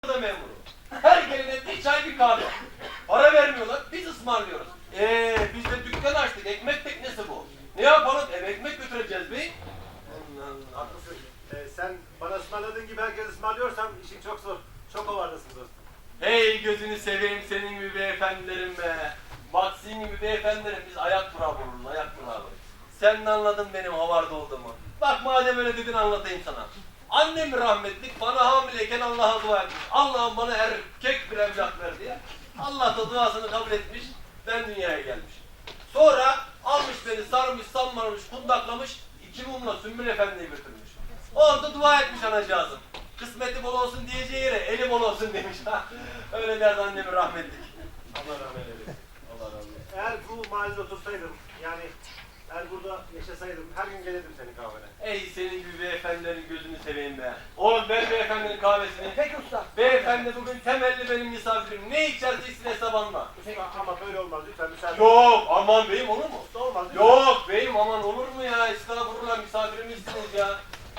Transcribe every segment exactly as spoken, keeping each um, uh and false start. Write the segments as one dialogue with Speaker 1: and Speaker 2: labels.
Speaker 1: da memuru. Her gelene bir çay bir kahve. Para vermiyorlar, biz ısmarlıyoruz. Eee biz de dükkan açtık, ekmek teknesi bu. Ne yapalım, ev ekmek götüreceğiz bey.
Speaker 2: Haklısın. Ee, sen bana ısmarladığın gibi herkes ısmarlıyorsan işin çok zor. Çok ovardasın dostum.
Speaker 1: Hey gözünü seveyim senin gibi beyefendilerim be. Bak senin gibi beyefendilerim biz ayak durağı vururuz, ayak durağı. Sen de anladın benim havarda olduğumu. Bak madem öyle dedin anlatayım sana. Annem rahmetlik bana hamileyken Allah'a dua etmiş. Allah'ım bana erkek bir evlat ver diye. Allah da duasını kabul etmiş. Ben dünyaya gelmiş. Sonra almış beni sarmış, sanmarmış, kundaklamış. İki mumla Sümbül Efendi'yi götürmüş. Orada dua etmiş anacığızım. Kısmeti bol olsun diyeceği yere eli bol olsun demiş. Öyle derdi annemin rahmetlik. Allah rahmet eylesin. Allah razı olsun.
Speaker 2: Eğer bu mahallede otursaydım, yani eğer burada yaşasaydım her gün gelirdim senin kahvene.
Speaker 1: Ey senin gibi beyefendilerin gözünü seveyim be. Oğlum ver beyefendinin kahvesini.
Speaker 3: Peki usta.
Speaker 1: Beyefendi bugün temelli benim misafirim. Ne içerse içsin hesap alma.
Speaker 2: Ama böyle olmaz lütfen müsaade.
Speaker 1: Yok aman beyim olur mu?
Speaker 2: Usta olmaz lütfen.
Speaker 1: Yok beyim aman olur mu ya? Estağfurullah misafirimizsiniz ya.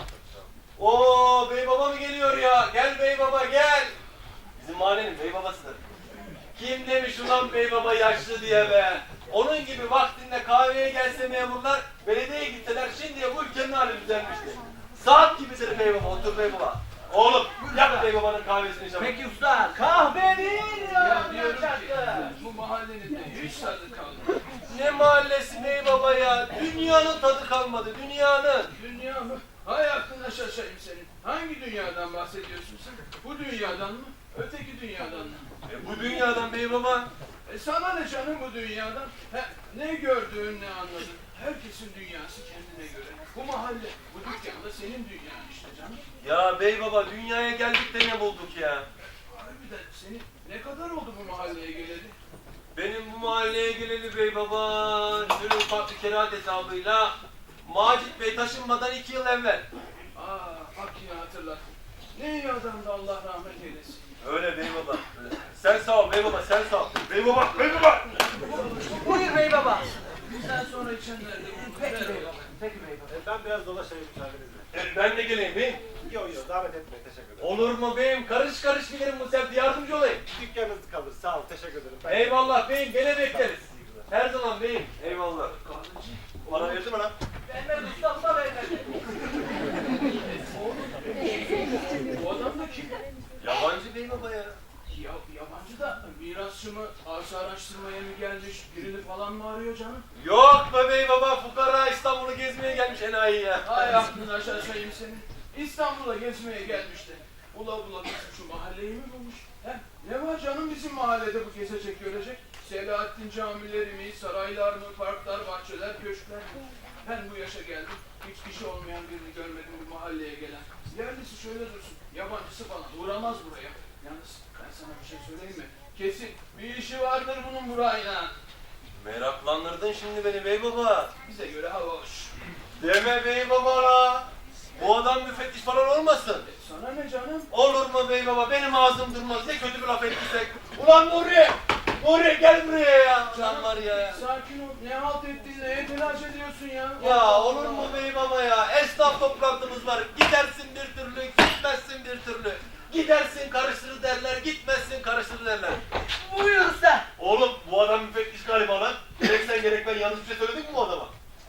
Speaker 1: Oo bey baba mı geliyor ya? Gel bey baba gel. Bizim mahallenin bey babasıdır. Kim demiş ulan bey baba yaşlı diye be. Onun gibi vaktinde kahveye gelse memurlar, belediyeye gitseler şimdiye bu ülkenin hali düzelmişti. Saat gibidir bey baba, otur bey baba. Oğlum yap bey babanın kahvesini çabuk.
Speaker 3: Peki usta, kahve değil ya.
Speaker 4: Ya diyorum ki bu mahallenin de hiç tadı kalmadı.
Speaker 1: Ne mahallesi bey baba ya? Dünyanın tadı kalmadı, dünyanın.
Speaker 4: Dünya mı? Hay aklına şaşayım senin. Hangi dünyadan bahsediyorsun sen? Bu dünyadan mı? Öteki dünyadan mı?
Speaker 1: E, bu dünyadan bey baba.
Speaker 4: E sana ne canım bu dünyadan? He, ne gördün ne anladın? Herkesin dünyası kendine göre. Bu mahalle, bu dükkanda senin dünyan işte canım.
Speaker 1: Ya bey baba dünyaya geldik de ne bulduk ya?
Speaker 4: Harbiden senin ne kadar oldu bu mahalleye geleli?
Speaker 1: Benim bu mahalleye geleli bey baba, şöyle ufak bir kerahat hesabıyla Macit Bey taşınmadan iki yıl evvel.
Speaker 4: Aa bak yine hatırlattın. Ne iyi adamdı Allah rahmet eylesin.
Speaker 1: Öyle bey baba. Öyle. Sen sağ ol bey baba, sen sağ ol. Bey baba, bey baba.
Speaker 3: Buyur bey baba.
Speaker 4: Sen sonra içenler de bunu
Speaker 3: Peki
Speaker 4: ver
Speaker 3: bey
Speaker 4: oğlum.
Speaker 3: baba. Peki bey baba.
Speaker 2: Ee, ben biraz dolaşayım müsaadenizle.
Speaker 1: E, ben de geleyim beyim.
Speaker 2: Yok yok davet etmeyin teşekkür ederim.
Speaker 1: Olur mu beyim? Karış karış giderim bu sefer yardımcı olayım.
Speaker 2: Dükkanınız kalır sağ ol teşekkür ederim. Ben...
Speaker 1: Eyvallah beyim, gene bekleriz. Her zaman beyim. Eyvallah.
Speaker 4: Kahveci.
Speaker 1: Bana verdi mi lan?
Speaker 3: Vermedi usta, bu da vermedi.
Speaker 4: Bu adam da kim?
Speaker 1: Yabancı bey baba ya.
Speaker 4: Ya, yabancı da mirasçı mı, arsa araştırmaya mı gelmiş, birini falan mı arıyor canım?
Speaker 1: Yok be bey baba, fukara İstanbul'u gezmeye gelmiş enayi ya.
Speaker 4: Hay aklını aşağıya seni. İstanbul'a gezmeye gelmişti. Bula bula bizim şu mahalleyi mi bulmuş? He? Ne var canım bizim mahallede bu gezecek görecek? Selahattin camileri mi, saraylar mı, parklar, bahçeler, köşkler mi? Ben bu yaşa geldim, hiç kişi olmayan birini görmedim bu mahalleye gelen. Yerlisi şöyle dursun, yabancısı falan uğramaz buraya. Yalnız ben sana bir şey söyleyeyim mi? Kesin bir işi vardır bunun burayla.
Speaker 1: Meraklandırdın şimdi beni bey baba.
Speaker 4: Bize göre hava hoş.
Speaker 1: Deme bey baba la. Bu adam müfettiş falan olmasın.
Speaker 4: E, sana ne canım?
Speaker 1: Olur mu bey baba? Benim ağzım durmaz. Ne kötü bir laf ettiysek. Ulan Nuri! Nuri gel buraya ya. Can var ya.
Speaker 4: Sakin ol. Ne halt ettin? Neye telaş ediyorsun ya?
Speaker 1: Ya olur mu bey baba ya? Esnaf toplantımız var. Gidersin bir türlü, gitmezsin bir türlü. Gidersin karıştırır derler, gitmezsin karıştırır derler.
Speaker 3: Buyur usta.
Speaker 1: Oğlum bu adam müfettiş galiba lan. Gerek sen gerek ben yanlış bir şey söyledin mi bu adama?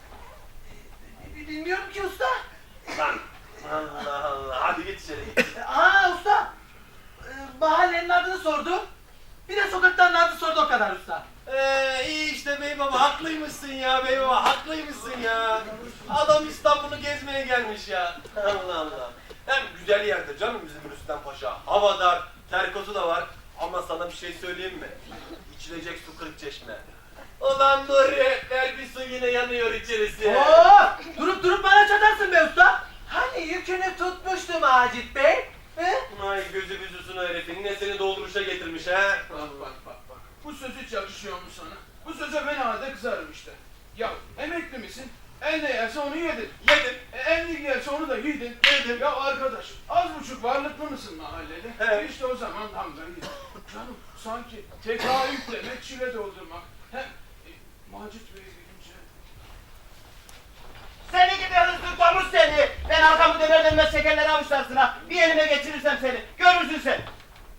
Speaker 3: Bilmiyorum ki usta.
Speaker 1: Lan Allah Allah. Hadi git içeri git.
Speaker 3: Aa usta. Ee, mahallenin adını sordu. Bir de sokakların adını sordu, o kadar usta.
Speaker 1: Ee, iyi işte bey baba haklıymışsın ya bey baba haklıymışsın ya. Adam İstanbul'u gezmeye gelmiş ya. Allah Allah. Hem güzel yerdir canım bizim Rüstem Paşa. Hava dar, terkosu da var. Ama sana bir şey söyleyeyim mi? İçilecek su kırık çeşme. Ulan Nuri ver bir su yine yanıyor içerisi.
Speaker 3: Oo, durup durup bana çatarsın be usta. Hani yükünü tutmuştu Macit Bey. He?
Speaker 1: Ay gözü büzüsün o herifin. Ne seni dolduruşa getirmiş ha?
Speaker 4: Bak bak bak bak. Bu söz hiç yakışıyor mu sana? Bu söze ben halde kızarım işte. Ya emekli misin? El ne yerse onu yedin.
Speaker 1: Yedim.
Speaker 4: E, el ne yerse onu da yedin.
Speaker 1: Yedim.
Speaker 4: Ya arkadaş az buçuk varlıklı mısın mahallede?
Speaker 1: Evet.
Speaker 4: İşte o zaman damgayı yedin. Canım sanki tekrar yüklemek, çile doldurmak. Hem e, Macit Bey'e gelince...
Speaker 3: Seni gibi hırsız domuz seni. Ben arkamı döner dönmez şekerleri avuçlarsın ha. Bir elime geçirirsem seni. Görürsün sen.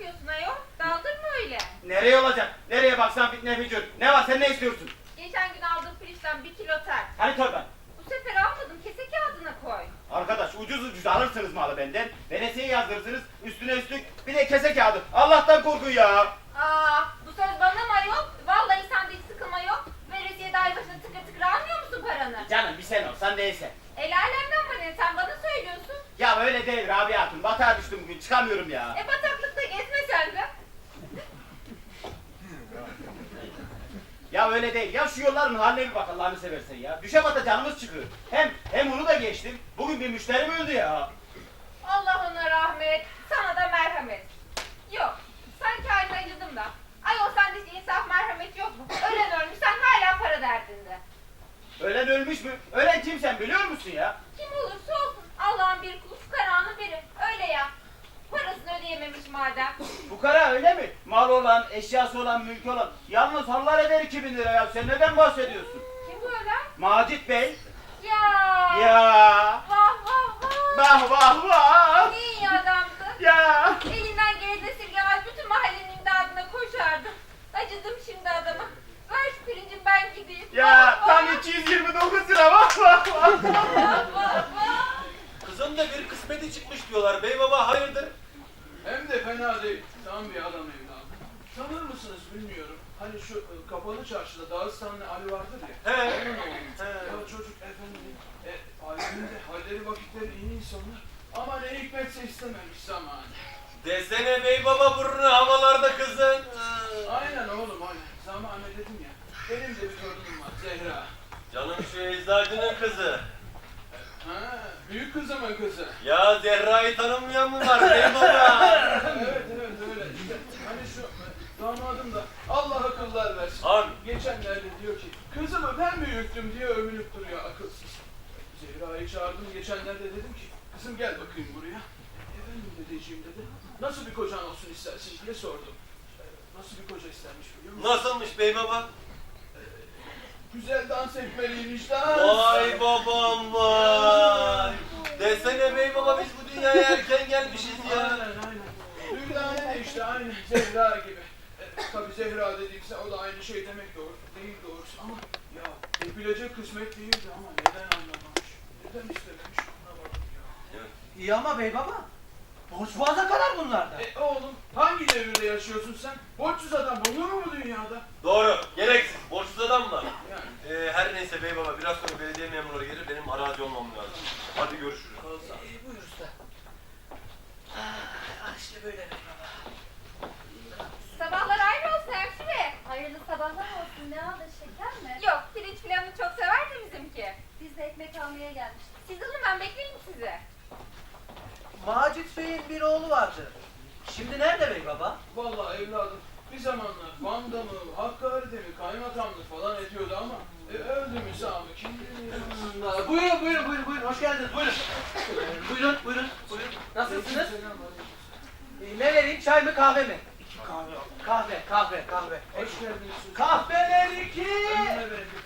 Speaker 5: bakıyorsun ayol? Daldırma öyle.
Speaker 6: Nereye olacak? Nereye baksan fitne fücur. Ne var sen ne istiyorsun?
Speaker 5: Geçen gün aldığım pirinçten bir kilo ter.
Speaker 6: Hani torban?
Speaker 5: Bu sefer almadım. Kese kağıdına koy.
Speaker 6: Arkadaş ucuz ucuz alırsınız malı benden. Veresiye yazdırırsınız. Üstüne üstlük bir de kese kağıdı. Allah'tan korkun ya.
Speaker 5: Aa, bu söz bana mı ayol? Vallahi sende hiç sıkılma yok. Veresiye dahi başına tıkır tıkır almıyor musun paranı?
Speaker 6: Canım bir sen olsan değilse.
Speaker 5: El alemden bana ne? Sen bana söylüyorsun.
Speaker 6: Ya öyle değil Rabia Hatun. Batağa düştüm bugün çıkamıyorum ya.
Speaker 5: E bataklıkta gezme sen de.
Speaker 6: Ya öyle değil. Ya şu yolların haline bir bak Allah'ını seversen ya. Düşe bata canımız çıkıyor. Hem hem onu da geçtim. Bugün bir müşterim öldü ya.
Speaker 5: Allah ona rahmet, sana da merhamet. Yok, sanki haline acıdım da. Ayol sende hiç insaf merhamet yok mu? Ölen ölmüş, sen hala para derdinde.
Speaker 6: Ölen ölmüş mü? Ölen kim sen biliyor musun ya?
Speaker 5: Kim olursa olsun Allah'ın bir kulu fukaranın biri. Öyle ya. Parasını ödeyememiş madem.
Speaker 6: Fukara öyle mi? Mal olan, eşyası olan, mülkü olan. Yalnız hallar eder iki bin lira ya. Sen neden bahsediyorsun?
Speaker 5: Kim bu ölen?
Speaker 6: Macit Bey.
Speaker 5: Ya.
Speaker 6: Ya.
Speaker 5: Vah vah vah.
Speaker 6: Vah vah vah.
Speaker 5: Ne iyi adamdı.
Speaker 6: Ya.
Speaker 5: Elinden geleni esirgemez bütün mahallenin imdadına koşardı. Acıdım şimdi adama. Ver şu pirincim ben gideyim.
Speaker 6: Ya
Speaker 5: Vah,
Speaker 6: tam
Speaker 5: vah.
Speaker 6: iki yüz yirmi dokuz lira. Vah vah vah.
Speaker 5: Vah vah vah.
Speaker 1: Kızın da bir kısmeti çıkmış diyorlar. Bey baba hayırdır?
Speaker 4: Hem de fena değil. Tam bir adam evladım. Tanır mısınız bilmiyorum. Hani şu e, kapalı çarşıda Dağıstanlı Ali vardır ya.
Speaker 1: He.
Speaker 4: Onun oğlu.
Speaker 1: He.
Speaker 4: Ya çocuk efendim. E, aleminde halleri vakitleri iyi insanlar. Ama ne hikmetse istememiş zamanı.
Speaker 1: Desene bey baba burnu havalarda kızın.
Speaker 4: Aynen oğlum aynen. Zamanı dedim ya. Benim de bir torunum var Zehra.
Speaker 1: Canım şu eczacının kızı.
Speaker 4: Ha, büyük kızımın kızı.
Speaker 1: Ya Zerra'yı tanımayan mı var bey baba?
Speaker 4: Evet evet öyle işte. Hani şu e, damadım da Allah akıllar versin.
Speaker 1: Abi.
Speaker 4: Geçenlerde diyor ki kızımı ben büyüttüm diye övünüp duruyor akılsız. Zehra'yı çağırdım geçenlerde dedim ki kızım gel bakayım buraya. Efendim dedeciğim dedi. Nasıl bir kocan olsun istersin diye sordum. E, Nasıl bir koca istermiş biliyor musun?
Speaker 1: Nasılmış bey baba?
Speaker 4: Güzel dans etmeliymiş dans.
Speaker 1: Vay babam vay. Desene bey baba biz bu dünyaya erken gelmişiz ya.
Speaker 4: Aynen aynen. Dürdane de işte aynı Zehra gibi. E, tabii Zehra dedikse o da aynı şey demek doğru değil doğrusu ama ya yapılacak kısmet değildi ama neden anlamamış? Neden istememiş ona bak ya.
Speaker 3: İyi ama bey baba. Borç boğaza kadar bunlarda.
Speaker 4: E oğlum hangi devirde yaşıyorsun sen? Borçsuz adam bulunur mu bu dünyada?
Speaker 1: Doğru. Gereksiz. Borçsuz adam var.
Speaker 4: Yani.
Speaker 1: Ee, her neyse bey baba biraz sonra belediye memurları gelir benim arazi olmam lazım. Hadi görüşürüz.
Speaker 3: Ee, buyur usta. Ah, işte böyle bey baba.
Speaker 5: Sabahlar ayrı olsun hemşire.
Speaker 7: Hayırlı sabahlar olsun. Ne aldın, şeker mi?
Speaker 5: Yok pirinç filanını çok sever de bizimki.
Speaker 7: Biz de ekmek almaya gelmiştik.
Speaker 5: Siz alın ben bekleyeyim sizi.
Speaker 3: Macit Bey'in bir oğlu vardı. Şimdi nerede bey baba?
Speaker 4: Vallahi evladım bir zamanlar Van'da mı, Hakkari'de mi kaymakamlık falan ediyordu ama e, öldü mü sağ mı kim bilir.
Speaker 3: Aa, Buyurun buyurun buyurun buyurun hoş geldiniz buyurun. Ee, buyurun buyurun buyurun. Nasılsınız? Ee, ne vereyim çay mı kahve mi? İki kahve Kahve kahve kahve.
Speaker 4: Hoş geldiniz.
Speaker 3: Kahveler iki.
Speaker 4: Önüne bereket.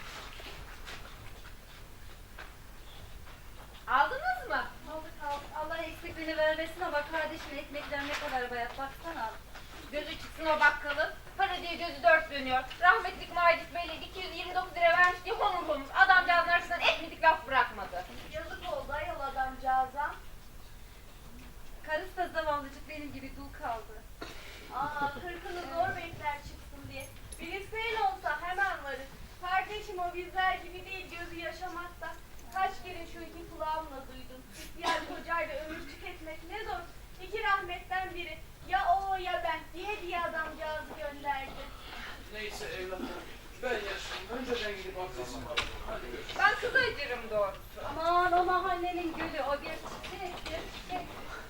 Speaker 5: Aldınız mı?
Speaker 7: Aldık aldık. Allah eksikliğini vermesin ama kardeşim ekmekler ne kadar bayat. Baksana.
Speaker 5: Gözü çıksın o bakkalın. Para diye gözü dört dönüyor. Rahmetlik Macit Bey'le iki yüz yirmi dokuz lira vermiş diye honur honur. Adamcağızın arasından etmedik laf bırakmadı.
Speaker 7: Yazık oldu ayol adamcağıza. Karısı da zavallıcık benim gibi dul kaldı. Aa kırkını zor bekler çıksın diye. Bilirseyin olsa hemen varır. Kardeşim o bizler gibi değil gözü yaşamakta. Kaç kere şu iki kulağımla duydum. İhtiyar kocayla ömür tüketmek ne zor. İki rahmetten biri. Ya o ya ben diye diye adamcağızı gönderdi.
Speaker 4: Neyse evladım ben yaşlıyım. Önce ben gidip abdestimi alayım. Hadi görüşürüz.
Speaker 5: Ben kıza acırım doğrusu.
Speaker 7: Aman o mahallenin gülü o bir çiçektir. Çiçek.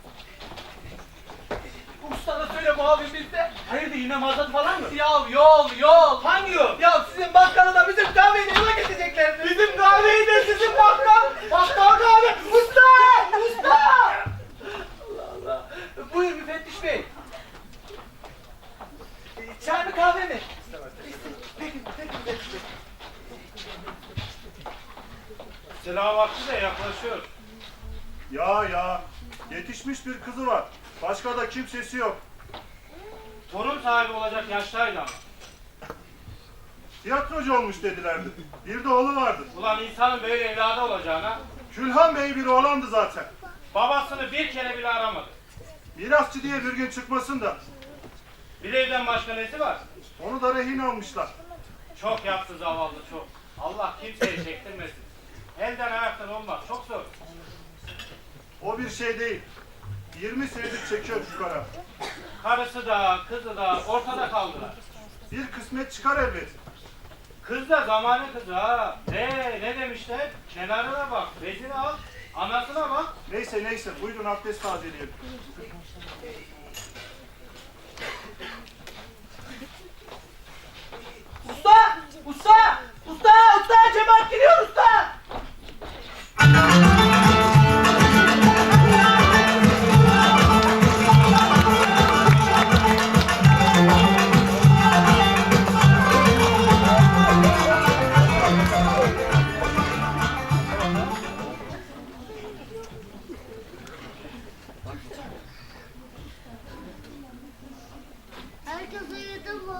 Speaker 3: Ustana söyle muavin bizde.
Speaker 6: Hayırdır yine mazot falan mı?
Speaker 3: Ya yol yol.
Speaker 6: Hangi yol?
Speaker 3: Ya sizin bakkalı da bizim kahveyi yola getireceklerdi.
Speaker 6: Bizim kahveyi de sizin bakkal. Bakkal kahve. Usta! Usta!
Speaker 3: Allah Allah. Buyur müfettiş bey. Ee, Çay mı kahve mi? Peki, peki müfettiş bey.
Speaker 2: Selam vakti de yaklaşıyor.
Speaker 8: Ya ya, yetişmiş bir kızı var. Başka da kimsesi yok.
Speaker 6: Torun sahibi olacak yaştaydı ama.
Speaker 8: Tiyatrocu olmuş dedilerdi. Bir de oğlu vardı.
Speaker 6: Ulan insanın böyle evladı olacağına
Speaker 8: Külhan Bey bir oğlandı zaten.
Speaker 6: babasını bir kere bile aramadı.
Speaker 8: Mirasçı diye bir gün çıkmasın da.
Speaker 6: Bir evden başka nesi var?
Speaker 8: Onu da rehin almışlar.
Speaker 6: Çok yaptı zavallı çok. Allah kimseye çektirmesin. Elden ayaktan olmak çok zor.
Speaker 8: O bir şey değil. yirmi senedir çekiyor şu kara.
Speaker 6: Karısı da kızı da ortada kaldılar.
Speaker 8: Bir kısmet çıkar elbet.
Speaker 6: Kız da zamanı kızı ha. Ne ne demişler? Kenarına bak, bezini al, anasına bak.
Speaker 8: Neyse neyse buyurun abdest tazeleyelim.
Speaker 3: Usta! Usta! Usta! Usta! Cemaat geliyor usta!
Speaker 7: Herkes uyudu mu?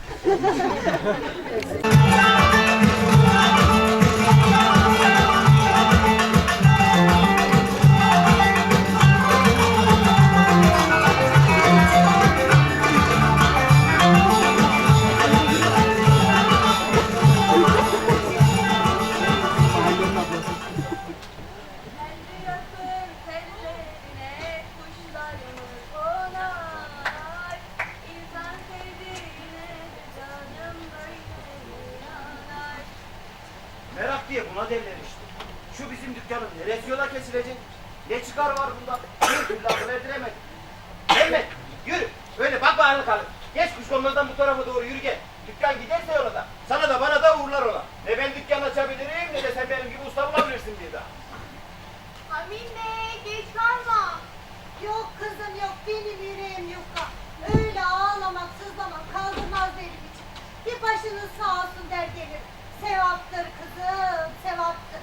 Speaker 7: Kendi yakın tellerine kuşlarımız konar. İnsan sevdiğine canım böyle yanar.
Speaker 6: Merak diye buna derler işte. Şu bizim dükkanın neresi yola kesilecek? Ne çıkar var bundan? Bir türlü akıl erdiremedim. Mehmet yürü. Böyle bak bağırlı kalın. Geç kuşkonmazdan bu tarafa doğru yürü gel. Dükkan giderse yola da. Sana da bana da uğurlar ola. Ne ben dükkan açabilirim ne de sen benim gibi usta bulabilirsin bir daha.
Speaker 7: Amine geç kalma. Yok kızım yok benim yüreğim yufka. Öyle ağlamak sızlamak kaldırmaz benim için. Bir başınız sağ olsun der gelir. Sevaptır kızım sevaptır.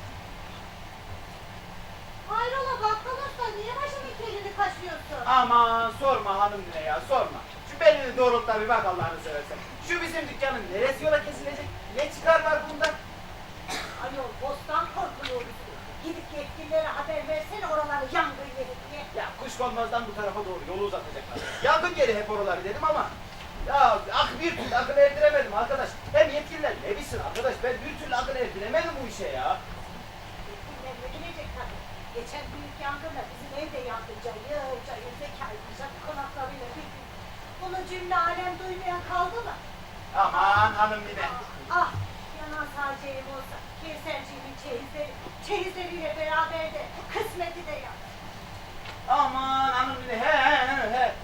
Speaker 7: Hayrola bakkal usta niye başımın kelini kaşıyorsun?
Speaker 6: Aman sorma hanım ne ya sorma. Şu belini doğrult da bir bak Allah'ını seversen. Şu bizim dükkanın neresi yola kesilecek? Ne çıkar var bundan?
Speaker 7: Ayol bostan korkuluyoruz. Gidip yetkililere haber versene oraları yangın yeri diye.
Speaker 6: Ya kuşkonmazdan bu tarafa doğru yolu uzatacaklar. Yangın yeri hep oraları dedim ama ya ak bir türlü akıl erdiremedim arkadaş. Hem yetkililer ne bilsin arkadaş ben bir türlü akıl erdiremedim bu işe ya.
Speaker 7: Yetkililerle gidecek tabii. Geçen büyük yangınla bizim evde yandı cayır cayır Zekai Paşa konaklarıyla bir gün. Bunu cümle alem duymayan kaldı mı?
Speaker 6: Aman hanım yine.
Speaker 7: Ah yanan sadece ev olsa Kevserciğimin çeyizleri, çeyizleriyle beraber de kısmeti de yandı.
Speaker 6: Aman hanım yine he he he he.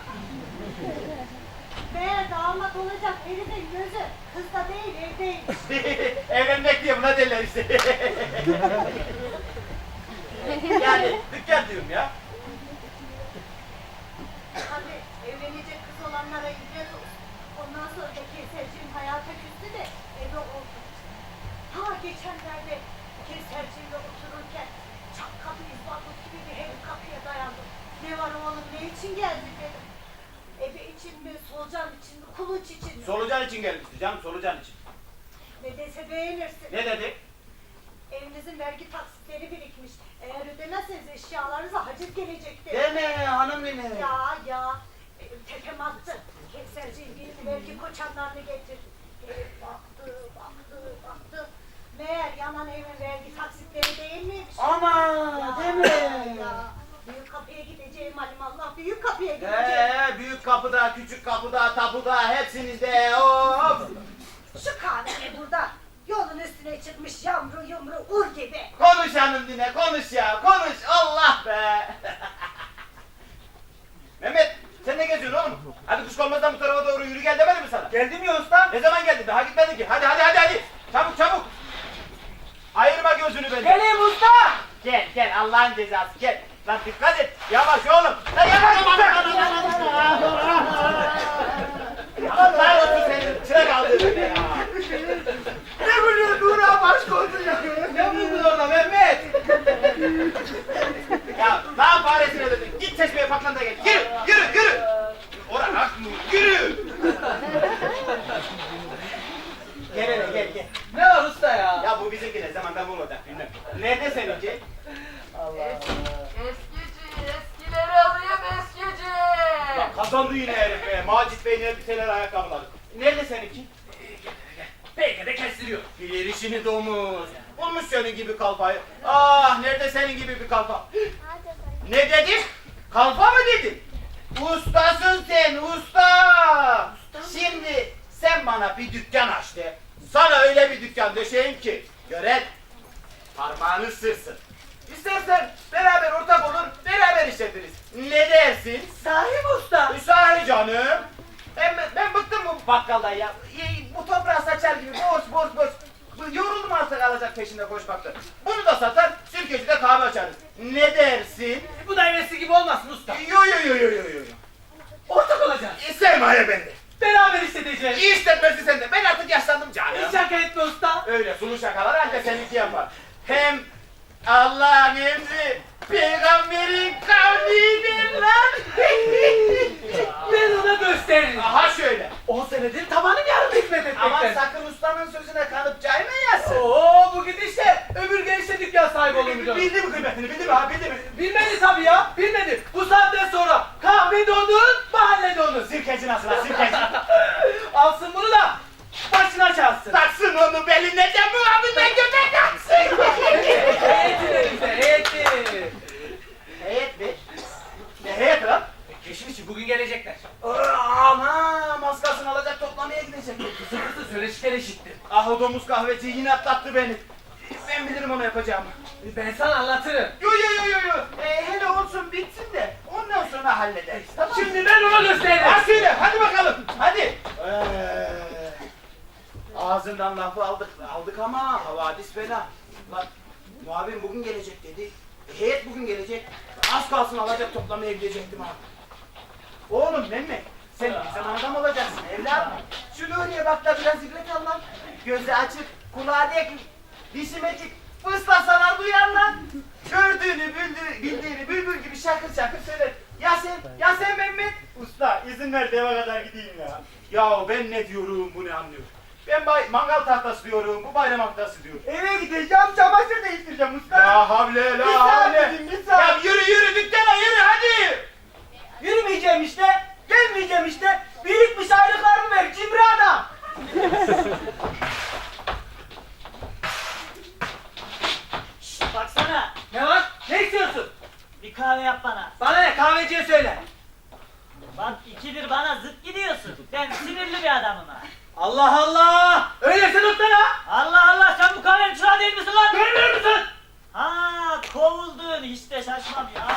Speaker 7: Meğer damat olacak herifin gözü kızda değil evdeymiş.
Speaker 6: Evlenmek diye buna derler işte. Yani dükkan diyorum ya.
Speaker 7: Tabii evlenecek kız olanlara ibret olsun. Ondan sonra da Kevserciğim hayata küstü de eve oldu. Ha geçenlerde Kevserciğimle otururken çat kapı izbatlık gibi bir herif kapıya dayandı. Ne var oğlum ne için geldin dedim. Ebe için mi, solucan için mi, kuluç için mi?
Speaker 6: Solucan için gelmişti canım solucan için.
Speaker 7: Ne dese beğenirsin.
Speaker 6: Ne dedi?
Speaker 7: Evinizin vergi taksitleri birikmiş. Eğer ödemezseniz eşyalarınıza haciz gelecektir.
Speaker 6: Deme hanım yine.
Speaker 7: Ya ya, benim tepem attı. Kevserciğim benim vergi koçanlarını getir. Herif baktı, baktı, baktı. Meğer yanan evin vergi taksitleri değil miymiş?
Speaker 6: Ama
Speaker 7: Ya,
Speaker 6: deme.
Speaker 7: Ya, büyük kapıya gideceğim alimallah, büyük kapıya gideceğim.
Speaker 6: Ee, büyük kapıda, küçük kapıda, tapuda hepsinizde hop.
Speaker 7: Şu kahvede burada, yolun üstüne çıkmış yamru yumru ur gibi.
Speaker 6: Konuş hanım yine konuş ya konuş Allah be. Mehmet sen ne geziyorsun oğlum? Hadi kuşkonmazdan bu tarafa doğru yürü gel demedi mi sana? Geldim ya usta. Ne zaman geldin? Daha gitmedin ki. Hadi hadi hadi hadi. Çabuk çabuk. Ayırma gözünü benden.
Speaker 3: Geleyim usta!
Speaker 6: Gel gel Allah'ın cezası gel. Lan dikkat et. Yavaş oğlum. Lan yavaş. Allah olsun senin çırak aldın beni ya. Ne vuruyor Nura baş koydun ya. Ne vurdun orada Mehmet? Ya lan faresine döndün. Git çeşmeye patlan da gel. Yürü yürü yürü. Oraya yürü. bizimki ne zaman da bu olacak bilmem. Nerede seninki?
Speaker 5: Eskici, eskileri alayım eskici.
Speaker 6: Lan kazandı yine herif be. Macit Bey'in elbiseler, ayakkabılar. Nerede seninki?
Speaker 3: Belki de kestiriyor.
Speaker 6: Bilir işini domuz. Bulmuş senin gibi kalfayı. Ah nerede senin gibi bir kalfa? Ne dedim? Kalfa mı dedim? Ustasın sen usta. Şimdi sen bana bir dükkan aç de. Sana öyle bir dükkan döşeyim ki. Gören parmağını ısırsın. İstersen beraber ortak olur, beraber işletiriz. Ne dersin?
Speaker 3: Sahi mi usta?
Speaker 6: Sahi canım. Ben, ben bıktım bu bakkaldan ya. Bu toprağı saçar gibi boş boş boş. Bu yoruldum artık alacak peşinde koşmakta. Bunu da satar, sirkecide kahve açarız. Ne dersin?
Speaker 3: Bu da hevesli gibi olmasın usta.
Speaker 6: Yo yo yo yo yo yo.
Speaker 3: Ortak olacağız.
Speaker 6: E, sermaye bende.
Speaker 3: Beraber işleteceğiz.
Speaker 6: İyi işletmesi sende. Ben artık yaşlandım canım.
Speaker 3: Hiç şaka etme usta.
Speaker 6: Öyle sulu şakalar ancak seninki yapar. Hem Allah'ın emri peygamberin kavlidir lan.
Speaker 3: Ben ona gösteririm.
Speaker 6: Aha şöyle.
Speaker 3: On senedir tabanım yarım hizmet
Speaker 6: Aman
Speaker 3: etmekten.
Speaker 6: sakın ustanın sözüne kanıp caymayasın.
Speaker 3: Oo bu gidişle öbür gençle dükkan sahibi olmayacağım.
Speaker 6: Bildi mi kıymetini, bildi mi ha, bildi mi?
Speaker 3: Bilmedi tabii ya, bilmedi. Bu saatten sonra kahve donun, mahalle donun.
Speaker 6: Sirkeci nasıl ha, sirkeci?
Speaker 3: Alsın bunu da başına çalsın.
Speaker 6: Taksın onu beline de muhabbine göbek taksın.
Speaker 3: Heyeti elimize, heyeti.
Speaker 6: Heyet mi? Ne heyet lan?
Speaker 3: Keşif için bugün gelecekler.
Speaker 6: Aman maskasını alacak toplamaya gidecek.
Speaker 3: Kızı kızı söyleşiler eşittir.
Speaker 6: Ah o domuz kahveci yine atlattı beni. Ben bilirim onu yapacağımı.
Speaker 3: Ben sana anlatırım.
Speaker 6: Yo yo yo yo yo. Ee, hele olsun bitsin de ondan sonra hallederiz. Tamam.
Speaker 3: Şimdi ben ona gösteririm.
Speaker 6: Ha söyle hadi bakalım hadi. Ee, ağzından lafı aldık aldık ama havadis fena. Lan muavin bugün gelecek dedi. E, heyet bugün gelecek. Az kalsın alacak toplamaya gidecektim ha. Oğlum Mehmet sen bizim adam olacaksın evladım. Şu Nuriye bak da biraz ibret al lan. Gözü açık, kulağı dek, dişi metik, fıslasalar duyar lan. Gördüğünü, bildiğini, bildiğini bülbül gibi şakır şakır söyler. Ya sen, ya sen Mehmet. Usta izin ver de eve kadar gideyim ya. Ya ben ne diyorum bu ne anlıyor. Ben bay, mangal tahtası diyorum, bu bayram haftası diyor. Eve gideceğim, çamaşır değiştireceğim usta. La havle, la
Speaker 3: Bir saat
Speaker 6: havle.
Speaker 3: dedim, bir saat.
Speaker 6: Ya yürü yürü dükkana yürü hadi.
Speaker 3: Yürümeyeceğim işte, gelmeyeceğim işte. Birikmiş aylıklarımı ver, cimri adam.
Speaker 9: Şşt, baksana.
Speaker 3: Ne var? Ne istiyorsun?
Speaker 9: Bir kahve yap bana.
Speaker 3: Bana ne? Kahveciye söyle.
Speaker 9: Bak ikidir bana zıt gidiyorsun. Ben sinirli bir adamım ha.
Speaker 3: Allah Allah! Öyleyse tutsana!
Speaker 9: Allah Allah sen bu kahvenin çırağı değil misin lan?
Speaker 3: Görmüyor musun?
Speaker 9: Ha kovuldun hiç de şaşmam ya.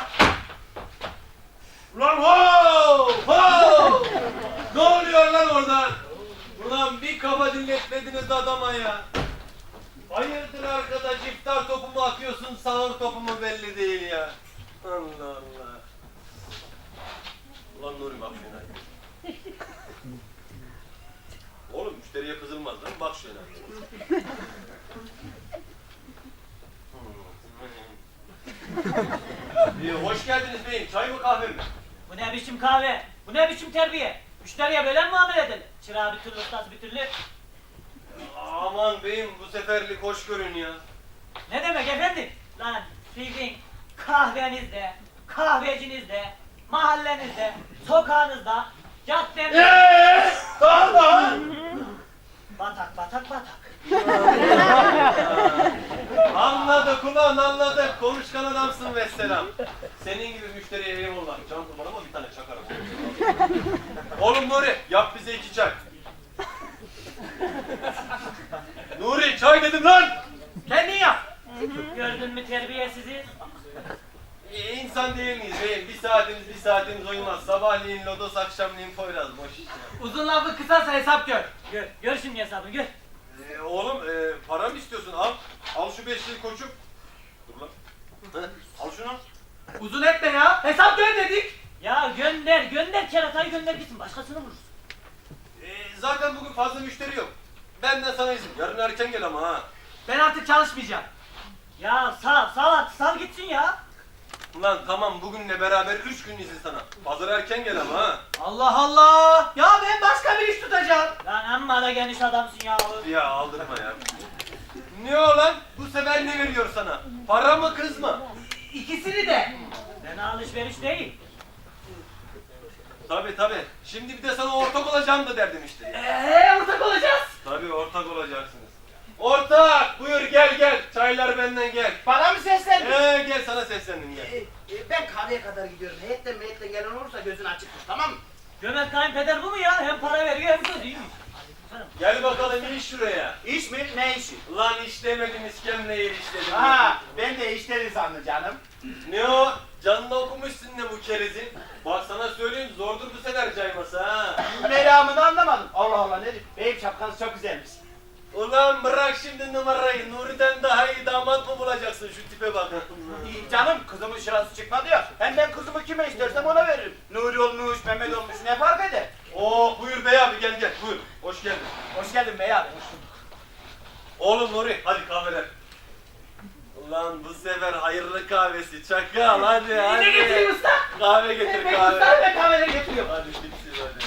Speaker 1: Ulan ho! Ho! Ne oluyor lan orada? Ulan bir kafa dinletmediniz adama ya. Hayırdır arkadaş, iftar topu mu atıyorsun, sahur topu mu belli değil ya. Allah Allah. Ulan Nuri bak şuna. Oğlum müşteriye kızılmaz lan, bak şuna. İyi, hoş geldiniz beyim. Çay mı kahve mi?
Speaker 9: Bu ne biçim kahve? Bu ne biçim terbiye? Müşteriye böyle mi muamele edilir? Çırağı bir türlü ustası bir türlü.
Speaker 1: Aman beyim bu seferlik hoş görün ya.
Speaker 9: Ne demek efendim? Lan sizin kahvenizde, kahvecinizde, mahallenizde, sokağınızda, caddenizde...
Speaker 6: Eee daha daha.
Speaker 9: Batak batak batak.
Speaker 1: Anladık ulan anladık. Konuşkan adamsın vesselam. Senin gibi müşteriye eyvallah. Can kurbanıma bir tane çakarım. Oğlum Nuri yap bize iki çay. Nuri çay dedim lan.
Speaker 3: Kendin yap.
Speaker 9: Gördün mü terbiyesizi?
Speaker 1: Ee, insan değil miyiz beyim? Bir saatimiz bir saatimiz uyumaz. Sabahleyin lodos, akşamleyin poyraz. Boş iş ya.
Speaker 3: Uzun lafı kısarsa hesap gör.
Speaker 9: Gör, gör şimdi hesabını gör.
Speaker 1: Ee, oğlum e, para mı istiyorsun? Al. Al şu beşliği koçum. Dur lan. Hı, al şunu.
Speaker 3: Uzun etme ya. Hesap gör dedik.
Speaker 9: Ya gönder, gönder keratayı gönder gitsin. Başkasını vurursun.
Speaker 1: Ee, zaten bugün fazla müşteri yok. Benden sana izin. Yarın erken gel ama ha.
Speaker 3: Ben artık çalışmayacağım.
Speaker 9: Ya sal, sal, sal gitsin ya.
Speaker 1: Ulan tamam bugünle beraber üç gün izin sana. Pazar erken gel ama ha.
Speaker 3: Allah Allah. Ya ben başka bir iş tutacağım.
Speaker 9: Lan amma da geniş adamsın ya.
Speaker 1: Ya aldırma ya. Ne o lan? Bu sefer ne veriyor sana? Para mı kız mı?
Speaker 3: İkisini de.
Speaker 9: Fena alışveriş değil.
Speaker 1: Tabi tabi. Şimdi bir de sana ortak olacağım da derdim işte.
Speaker 3: Eee ortak olacağız.
Speaker 1: Tabi ortak olacaksınız. Ortak buyur gel gel. Çaylar benden gel.
Speaker 6: Bana mı seslendin?
Speaker 1: Ee, gel sana seslendim gel.
Speaker 6: Ee, e, ben kahveye kadar gidiyorum. Heyetten meyetten gelen olursa gözünü açık tut, tamam mı?
Speaker 9: Cömert kayınpeder bu mu ya? Hem para veriyor hem söz iyiymiş.
Speaker 1: Gel bakalım in şuraya.
Speaker 6: İş mi? Ne işi?
Speaker 1: Lan iş demedim iskemleye iş dedim.
Speaker 6: Ha, ben de işleri sandım canım.
Speaker 1: Ne o? Canını okumuşsun ne bu kerizin? Bak sana söyleyeyim zordur bu sefer cayması ha.
Speaker 6: Meramını anlamadım. Allah Allah, ne diyeyim? Beyim şapkanız çok güzelmiş.
Speaker 1: Ulan bırak şimdi numarayı. Nuri'den daha iyi damat mı bulacaksın şu tipe bak.
Speaker 6: İyi canım, kızımın şurası çıkmadı ya. Hem ben kızımı kime istersem ona veririm. Nuri olmuş, Mehmet olmuş, ne fark eder?
Speaker 1: Oo buyur bey abi gel gel buyur. Hoş geldin.
Speaker 6: Hoş geldin bey abi.
Speaker 1: Oğlum Nuri hadi kahveler. Ulan bu sefer hayırlı kahvesi çakal hadi hadi.
Speaker 3: Ne getireyim usta?
Speaker 1: Kahve getir
Speaker 3: Ben
Speaker 1: kahve.
Speaker 3: usta ve kahveleri getiriyorum.
Speaker 1: Hadi bitsin hadi.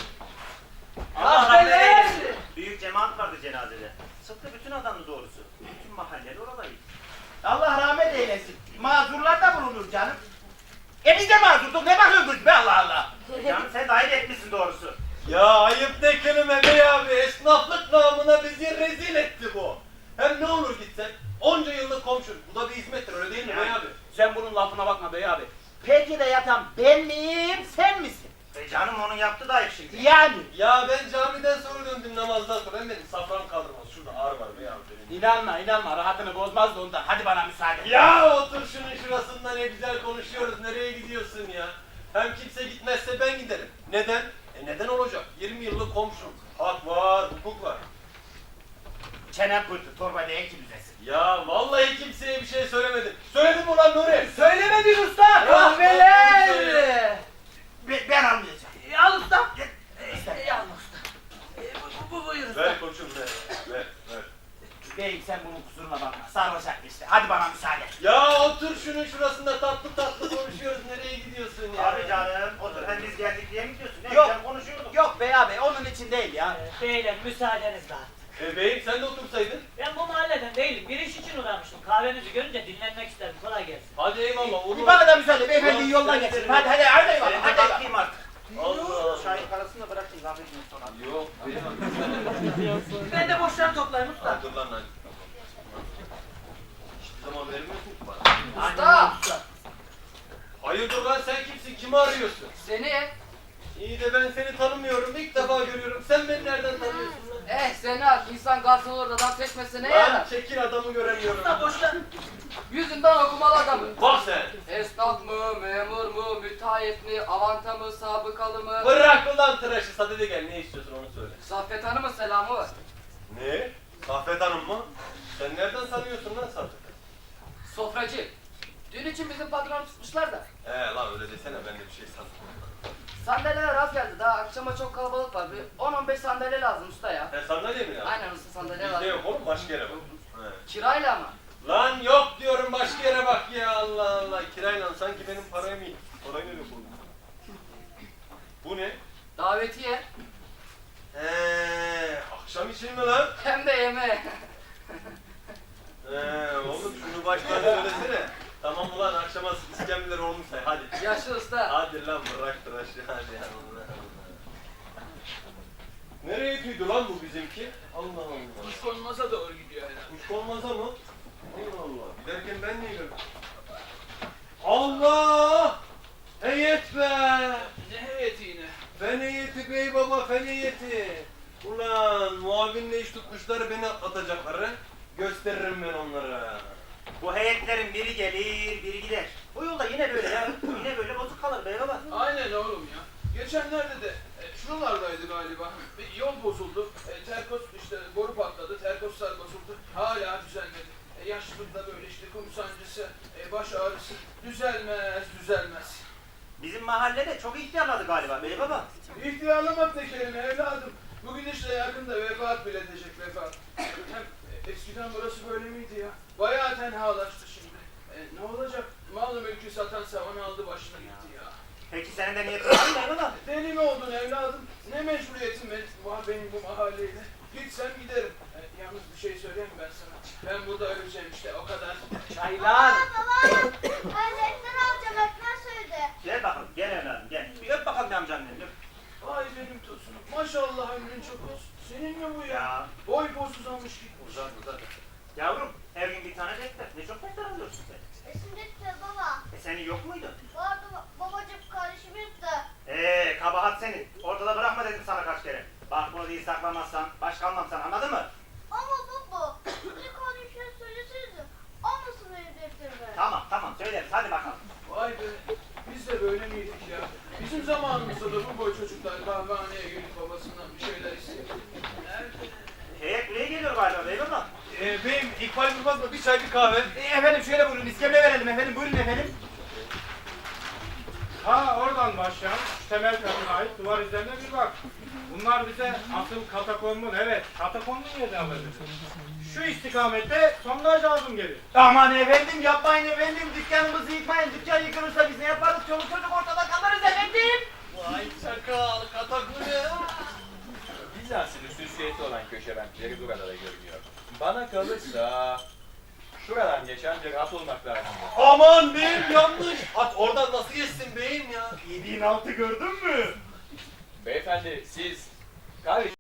Speaker 3: Kahveler.
Speaker 6: Büyük cemaat vardı cenazede. Sıktı bütün adamı doğrusu. Bütün mahalleler oradaydı. Allah rahmet eylesin. Mazurlar da bulunur canım. E biz de mazurduk, ne bakıyorsunuz be Allah Allah. Canım sen dahil etmişsin doğrusu.
Speaker 1: Ya ayıp ne kelime bey abi. Esnaflık namına bizi rezil etti bu. Hem ne olur gitsen. Onca yıllık komşun. Bu da bir hizmettir öyle değil mi bey abi?
Speaker 6: Sen bunun lafına bakma bey abi. Peki de yatan ben miyim, sen misin? E canım onun yaptı da ayıp şimdi. Yani.
Speaker 1: Ya ben camiden sonra döndüm namazdan sonra. Hem benim safran kaldırmaz. Şurada ağır var bey abi. benim.
Speaker 6: İnanma inanma, rahatını bozmaz da ondan. Hadi bana müsaade.
Speaker 1: Ya otur şunun şurasında ne güzel konuşuyoruz. Nereye gidiyorsun ya? Hem kimse gitmezse ben giderim. Neden? E neden olacak? yirmi yıllık komşum. Hak var, hukuk var.
Speaker 6: Çenem pırtı, torbayla en kimsesin.
Speaker 1: Ya vallahi kimseye bir şey söylemedim. Söyledim mi ulan Nuri?
Speaker 3: Söylemedin usta. Kahveler.
Speaker 6: Ben, ben anlayacağım.
Speaker 3: E, Al usta. E, e, Al usta. E, Bu, bu, bu buyur usta.
Speaker 1: Ver koçum ver. Ver, ver.
Speaker 6: Beyim sen bunun kusuruna bakma. Sarhoşak işte. Hadi bana müsaade.
Speaker 1: Ya otur şunun şurasında tatlı tatlı konuşuyoruz. Nereye gidiyorsun ya?
Speaker 6: Abi canım otur, hem biz geldik diye mi gidiyorsun? Ne
Speaker 3: Yok.
Speaker 6: güzel konuşuyorduk.
Speaker 3: Yok bey abi onun için değil ya.
Speaker 9: Ee, beyler müsaadenizle artık.
Speaker 1: E beyim sen de otursaydın.
Speaker 9: Ben bu mahalleden değilim. Bir iş için uğramıştım. Kahvenizi görünce dinlenmek istedim. Kolay gelsin.
Speaker 1: Hadi eyvallah.
Speaker 6: Bir
Speaker 1: Olur.
Speaker 6: bana da müsaade. Beyefendi
Speaker 1: Ulan
Speaker 6: yoldan
Speaker 1: sen
Speaker 6: geçelim.
Speaker 1: de-
Speaker 6: Hadi hadi hadi eyvallah.
Speaker 2: Ben de
Speaker 6: Hadi
Speaker 2: bakayım artık.
Speaker 1: Allah.
Speaker 6: Çayın parasını da bırakayım kahvecinin sonra.
Speaker 1: Yok beyim.
Speaker 3: Ben de boştan toplayayım usta.
Speaker 1: Dur lan hadi. Hiçbir zaman vermiyorsun ki bana.
Speaker 3: Usta.
Speaker 1: Hayırdır lan sen kimsin? Kimi arıyorsun?
Speaker 10: Seni,
Speaker 1: İyi de ben seni tanımıyorum. İlk defa görüyorum. Sen beni nereden tanıyorsun lan?
Speaker 10: eh seni al. İnsan garsın olur adam seçmese ne
Speaker 1: Lan
Speaker 10: yarar?
Speaker 1: çekil adamı göremiyorum.
Speaker 3: Usta boştan.
Speaker 10: Yüzünden okumalı adamı.
Speaker 1: Bak sen.
Speaker 10: Esnaf mı, memur mu, müteahhit mi, avanta mı, sabıkalı mı?
Speaker 1: Bırak ulan tıraşı. Sadede gel. Ne istiyorsun onu söyle.
Speaker 10: Saffet Hanım'ın selamı var.
Speaker 1: Ne? Saffet Hanım mı? Sen nereden tanıyorsun lan Saffet?
Speaker 10: Sofracı. Dün için bizim patronu tutmuşlar da.
Speaker 1: He lan öyle desene ben de bir şey sandım.
Speaker 10: Sandalyeler az geldi daha akşama çok kalabalık var. Bir on on beş sandalye lazım usta ya.
Speaker 1: He sandalye mi ya?
Speaker 10: Aynen usta sandalye
Speaker 1: Bizde
Speaker 10: lazım.
Speaker 1: yok oğlum başka yere bak. He.
Speaker 10: Kirayla ama.
Speaker 1: Lan yok diyorum başka yere bak ya Allah Allah. Kirayla sanki benim parayı mı? Parayı nereye koydun? Bu ne?
Speaker 10: Davetiye.
Speaker 1: He, akşam için mi lan?
Speaker 10: Hem de yeme.
Speaker 1: He, oğlum şunu baştan söylesene. Tamam ulan akşama iskemleler olmuş say hadi.
Speaker 10: Yaşlı usta.
Speaker 1: Hadi lan bırak tıraşı hadi ya Allah Allah. Nereye tüydü lan bu bizimki? Allah Allah.
Speaker 4: Kuş konmaza doğru gidiyor herhalde.
Speaker 1: Kuş konmaza mı? Allah Allah. Giderken ben niye gördüm? Allah! Heyet be!
Speaker 4: Ne heyeti yine?
Speaker 1: Fen heyeti bey baba fen heyeti. Ulan muavinle iş tutmuşlar beni atlatacaklar ha. Gösteririm ben onlara.
Speaker 6: Bu heyetlerin biri gelir, biri gider. Bu yolda yine böyle ya. Yine böyle bozuk kalır bey baba.
Speaker 4: Aynen oğlum ya. Geçenlerde de e, şuralardaydı galiba. Bir yol bozuldu. E, terkos işte boru patladı. Terkoslar bozuldu. Hala düzelmedi. E, yaşlılıkta böyle işte kum sancısı, e, baş ağrısı. Düzelmez, düzelmez.
Speaker 6: Bizim mahallede çok ihtiyarladı galiba bey baba.
Speaker 4: İhtiyarlamak ne kelime evladım. Bu gidişle yakında vefat bile edecek vefat. Hem e, eskiden burası böyle miydi ya? Bayağı tenhalaştı şimdi. E, ne olacak? Malı mülkü satan savan aldı başına gitti ya.
Speaker 6: Peki senin de niyetin var mı bey baba?
Speaker 4: Deli mi oldun evladım? Ne mecburiyetin benim, var benim bu mahalleyle? Gitsem giderim. E, yalnız bir şey söyleyeyim mi ben sana? Ben burada öleceğim işte o kadar.
Speaker 3: Çaylar.
Speaker 7: Baba, ben reklam alacağım, öğretmen söyledi.
Speaker 6: Gel bakalım, gel evladım gel. Bir öp bakalım bir amcanın elini. öp.
Speaker 4: Ay benim tosunum. Maşallah ömrün çok olsun. Senin mi bu ya?
Speaker 6: Ya.
Speaker 4: Boy boz uzamış gitmiş.
Speaker 6: Uzat uzat. Yavrum, her gün bir tane defter. Ne çok defter alıyorsun sen.
Speaker 7: Resim defter baba.
Speaker 6: E senin yok muydu?
Speaker 7: Vardı babacığım, kardeşim yırttı.
Speaker 6: Eee kabahat senin. Ortada bırakma dedim sana kaç kere. Bak bunu değil saklamazsan baş kalmam sana, anladın mı?
Speaker 7: Ama baba, bir kardeşime söyleseydim. Almasın benim defterimi.
Speaker 6: Tamam tamam söyleriz hadi bakalım.
Speaker 4: Vay be. Biz de böyle miydik ya? Bizim zamanımızda da bu boy çocuklar kahvehaneye gelip babasından bir şeyler istiyor. Nerede?
Speaker 6: Heyet buraya geliyor galiba beyefendi.
Speaker 1: Ee, beyim İkbal Durmaz mı? Bir çay bir kahve.
Speaker 6: E, efendim şöyle buyurun iskemle verelim efendim buyurun efendim.
Speaker 11: Ha oradan başlayan şu temel katına ait duvar üzerine bir bak. Bunlar bize asıl katakommun, evet katakommun yeri alırız. Şu istikamette sondaj lazım gelir.
Speaker 6: Aman efendim yapmayın efendim dükkanımızı yıkmayın. Dükkan yıkılırsa biz ne yaparız? Çoluk çocuk ortada kalırız efendim.
Speaker 1: Vay çakal, katakule.
Speaker 12: Bizans'ın hususiyeti olan köşe renkleri burada da görünüyor. Bana kalırsa şuradan geçen bir at olmak lazım.
Speaker 1: Aman beyim yanlış. At oradan nasıl geçsin beyim ya?
Speaker 6: Yediğin altı gördün mü?
Speaker 12: Beyefendi siz kardeş